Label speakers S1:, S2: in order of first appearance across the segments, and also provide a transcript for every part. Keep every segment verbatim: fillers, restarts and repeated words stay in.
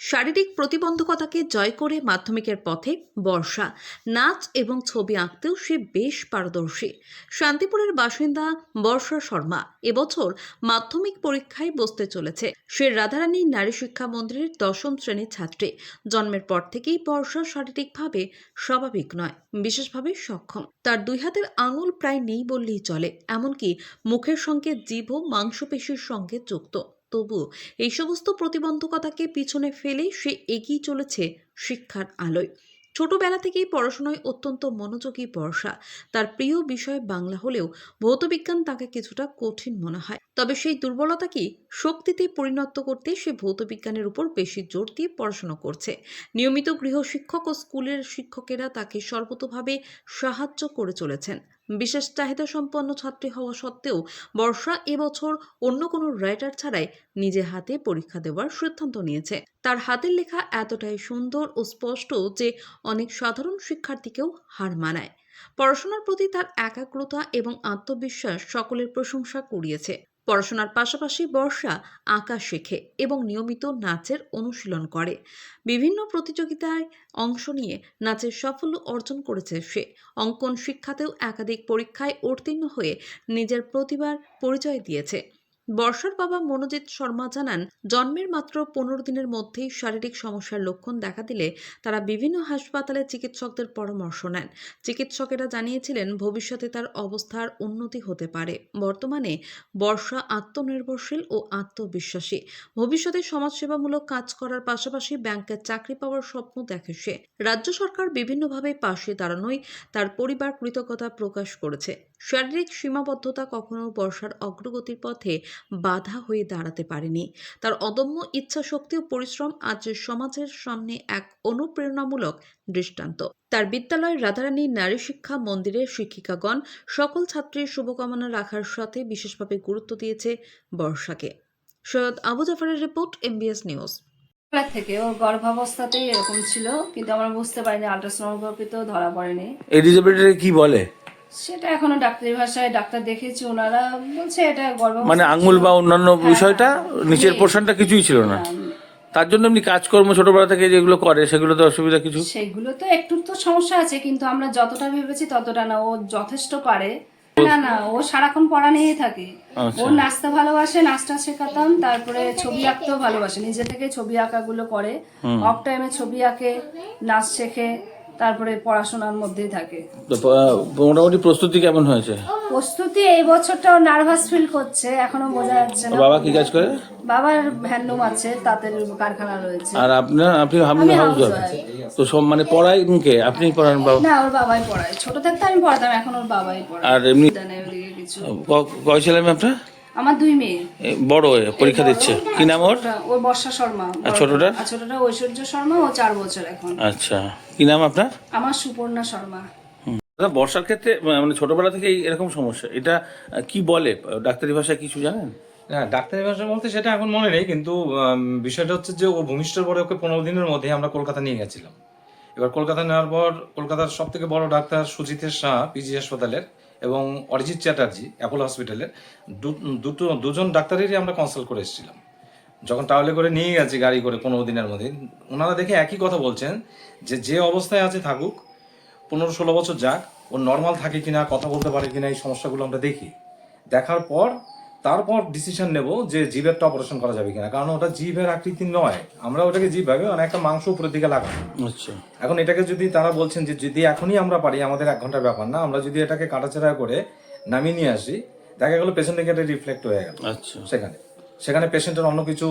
S1: শারীরিক প্রতিবন্ধকতাকে জয় করে মাধ্যমিকের পথে বর্ষা। নাচ এবং ছবি আঁকতেও সে বেশ পারদর্শী। শান্তিপুরের বাসিন্দা বর্ষা শর্মা এবছর মাধ্যমিক পরীক্ষায় বসতে চলেছে। সে রাধারানী নারী শিক্ষা মন্দিরের দশম শ্রেণীর ছাত্রী। জন্মের পর থেকেই বর্ষা শারীরিকভাবে স্বাভাবিক নয়, বিশেষভাবে সক্ষম। তার দুই হাতের আঙুল প্রায় নেই বললেই চলে, এমনকি মুখের সঙ্গে জিভও মাংসপেশির সঙ্গে যুক্ত। তবু এই সমস্ত প্রতিবন্ধকতাকে পিছনে ফেলে সে এগিয়ে চলেছে শিক্ষার আলোয়। ছোটবেলা থেকেই পড়াশোনায় অত্যন্ত মনোযোগী বর্ষা। তার প্রিয় বিষয় বাংলা হলেও ভৌতবিজ্ঞান তাকে কিছুটা কঠিন মনে হয়। তবে সেই দুর্বলতাকে শক্তিতে পরিণত করতে সে ভৌতবিজ্ঞানের উপর বেশি জোর দিয়ে পড়াশোনা করছে। নিয়মিত গৃহশিক্ষক ও স্কুলের শিক্ষকেরা তাকে সর্বতোভাবে সাহায্য করে চলেছেন। বিশেষ চাহিদা সম্পন্ন ছাত্রী হওয়া সত্ত্বেও বর্ষা এবছর অন্য কোনো রাইটার ছাড়াই নিজে হাতে পরীক্ষা দেওয়ার সিদ্ধান্ত নিয়েছে। তার হাতের লেখা এতটাই সুন্দর ও স্পষ্ট যে অনেক সাধারণ শিক্ষার্থীকেও হার মানায়। পড়াশোনার প্রতি তার একাগ্রতা এবং আত্মবিশ্বাস সকলের প্রশংসা কুড়িয়েছে। পড়াশোনার পাশাপাশি বর্ষা আঁকা শেখে এবং নিয়মিত নাচের অনুশীলন করে। বিভিন্ন প্রতিযোগিতায় অংশ নিয়ে নাচের সাফল্য অর্জন করেছে সে। অঙ্কন শিক্ষাতেও একাধিক পরীক্ষায় উত্তীর্ণ হয়ে নিজের প্রতিভার পরিচয় দিয়েছে। বর্ষার বাবা মনোজিৎ শর্মা জানান, জন্মের মাত্র পনেরো দিনের মধ্যেই শারীরিক সমস্যার লক্ষণ দেখা দিলে তারা বিভিন্ন হাসপাতালে চিকিৎসকদের পরামর্শ নেন। চিকিৎসকেরা জানিয়েছিলেন ভবিষ্যতে তার অবস্থার উন্নতি হতে পারে। বর্তমানে বর্ষা আত্মনির্ভরশীল ও আত্মবিশ্বাসী। ভবিষ্যতে সমাজসেবামূলক কাজ করার পাশাপাশি ব্যাংকের চাকরি পাওয়ার স্বপ্ন দেখে সে। রাজ্য সরকার বিভিন্নভাবে পাশে দাঁড়ানোয় তার পরিবার কৃতজ্ঞতা প্রকাশ করেছে। শারীরিক সীমাবদ্ধতা কখনো বর্ষার অগ্রগতির পথে বাধা হয়ে দাঁড়াতে পারেনি। তার অদম্য ইচ্ছা শক্তি ও পরিশ্রম আজ সমাজের সামনে এক অনুপ্রেরণামূলক দৃষ্টান্ত। তার বিদ্যালয়ের রাধারানী নারী শিক্ষা মন্দিরের শিক্ষিকাগণ সকল ছাত্রীর শুভকামনা রাখার সাথে বিশেষভাবে গুরুত্ব দিয়েছে বর্ষাকে। সৈয়দ আবু জাফরের রিপোর্ট, এমবিএস নিউজ।
S2: থেকে ওর গর্ভাবস্থাতেই এরকম ছিল, কিন্তু আমরা বুঝতে পারিনি, আল্ট্রাসোনোগ্রাফিতেও ধরা পড়েনি।
S3: এই ডিসেবিলিটি কি বলে
S2: সেটা এখনো ডাক্তারি ভাষায় ডাক্তার দেখেছি, ওনারা বলছে এটা গর্ভাবস্থা,
S3: মানে আঙ্গুল বা অন্যান্য
S2: হ্যাঁ,
S3: বিষয়টা নিচের পোর্শনটা কিছুই ছিল না। তার জন্য এমনি কাজকর্ম ছোটবেলা থেকে যেগুলো করে সেগুলো তো অসুবিধা কিছু,
S2: সেগুলো তো একটু তো সমস্যা আছে, কিন্তু আমরা যতটা ভেবেছি ততটা না। ও যথেষ্ট পারে। না না, ও সারাক্ষণ পড়া নিয়েই থাকে। ও নাচতে ভালোবাসে, নাচটা শেখাতাম। তারপরে ছবি আঁকতেও ভালোবাসে, নিজে থেকে ছবি আঁকাগুলো করে। অফ টাইমে ছবি আঁকে, নাচ শেখে, তারপরে পড়াশোনার মধ্যেই থাকে।
S3: মোটামুটি প্রস্তুতি কেমন হয়েছে?
S2: প্রস্তুতি এই বছরটা ও নার্ভাস ফিল করছে, এখনো বোঝা যাচ্ছে না।
S3: বাবা কি কাজ করে?
S2: বাবার হ্যান্ডলুম আছে, তাঁতের কারখানা রয়েছে।
S3: আর আপনার আপনি হামলে হাউস তো সব মানে পড়াই কে আপনি পড়ান? বাবা
S2: না, ওর বাবাই পড়ায়। ছোট থাকতে আমি পড়াতাম, এখন ওর বাবাই পড়ায়।
S3: আর এমনি
S2: ওদিকে কিছু
S3: কয় ছেলে মেয়ে আপনার?
S2: আমার দুই মেয়ে।
S3: বড় পরীক্ষা দিচ্ছে, কি নাম ওর?
S2: ওর বর্ষা শর্মা।
S3: আর ছোটটা?
S2: আর ছোটটা ঐশ্বর্য শর্মা, ও চার বছর এখন।
S3: আচ্ছা, কি নাম আপনার?
S2: আমার সুপর্ণা শর্মা।
S3: বর্ষার ক্ষেত্রে মানে ছোটবেলা থেকে এরকম সমস্যা, এটা কি বলে ডাক্তারি ভাষায় কিছু জানেন?
S4: হ্যাঁ, ডাক্তারি ভাষা বলতে সেটা এখন মনে নেই, কিন্তু বিষয়টা হচ্ছে যে ও ভূমিষ্ঠর পরে ওকে পনেরো দিনের মধ্যে আমরা কলকাতা নিয়ে গেছিলাম। এবার কলকাতা নেওয়ার পর কলকাতার সব থেকে বড় ডাক্তার সুজিতের শাহ পিজি হাসপাতালের এবং অরিজিৎ চ্যাটার্জি অ্যাপোলো হসপিটালের দুটো দুজন ডাক্তারেরই আমরা কনসাল্ট করে এসেছিলাম। যখন ট্রাভেলে করে নিয়ে গেছি গাড়ি করে পনেরো দিনের মধ্যে, ওনারা দেখে একই কথা বলছেন যে যে অবস্থায় আছে থাকুক, পনেরো ষোলো বছর যাক, ও নর্মাল থাকে কিনা, কথা বলতে পারে কিনা, এই সমস্যাগুলো আমরা দেখি। দেখার পর তারপর ডিসিশন নেব যে জিভেরটা অপারেশন করা যাবে কিনা, কারণ ওটা জিভের আকৃতি নয়, আমরা ওটাকে জিভ ভাবে মানে একটা মাংস উপরের দিকে লাগাবো।
S3: আচ্ছা,
S4: এখন এটাকে যদি তারা বলছেন যে যদি এখনই আমরা পারি, আমাদের এক ঘন্টার ব্যাপার না, আমরা যদি এটাকে কাটাছেড়া করে নামিয়ে নিয়ে আসি, দেখা গেলো পেশেন্টের ক্ষেত্রে রিফ্লেক্ট হয়ে গেল।
S3: আচ্ছা,
S4: সেখানে সেখানে পেশেন্টের অন্য কিছু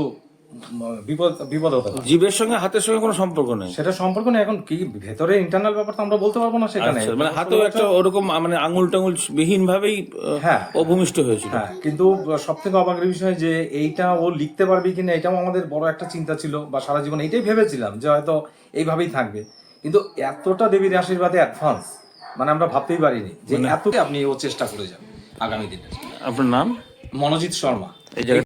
S4: বিপদ বিপদ হতে পারে।
S3: জিভের সঙ্গে হাতের সঙ্গে কোনো সম্পর্ক নেই,
S4: সেটা সম্পর্ক নেই। এখন কি ভেতরে ইন্টারনাল ব্যাপারটা আমরা বলতে পারবো না সেখানে।
S3: মানে হাতেও একটা ওরকম মানে আঙুল টাঙুল বিহীন ভাবেই
S4: হ্যাঁ
S3: অভূমিষ্ঠ হয়েছিল।
S4: হ্যাঁ, কিন্তু সব থেকে অবাকের বিষয় যে এইটা ও লিখতে পারবে কিনা, এটাও আমাদের বড় একটা চিন্তা ছিল, বা সারা জীবন এইটাই ভেবেছিলাম যে হয়তো এইভাবেই থাকবে। কিন্তু এতটা দেবীর আশীর্বাদে অ্যাডভান্স, মানে আমরা ভাবতেই পারিনি যে এত আপনি ও চেষ্টা করে যান আগামী দিনে।
S3: আপনার নাম?
S4: মনোজিৎ শর্মা।
S3: এই জায়গায়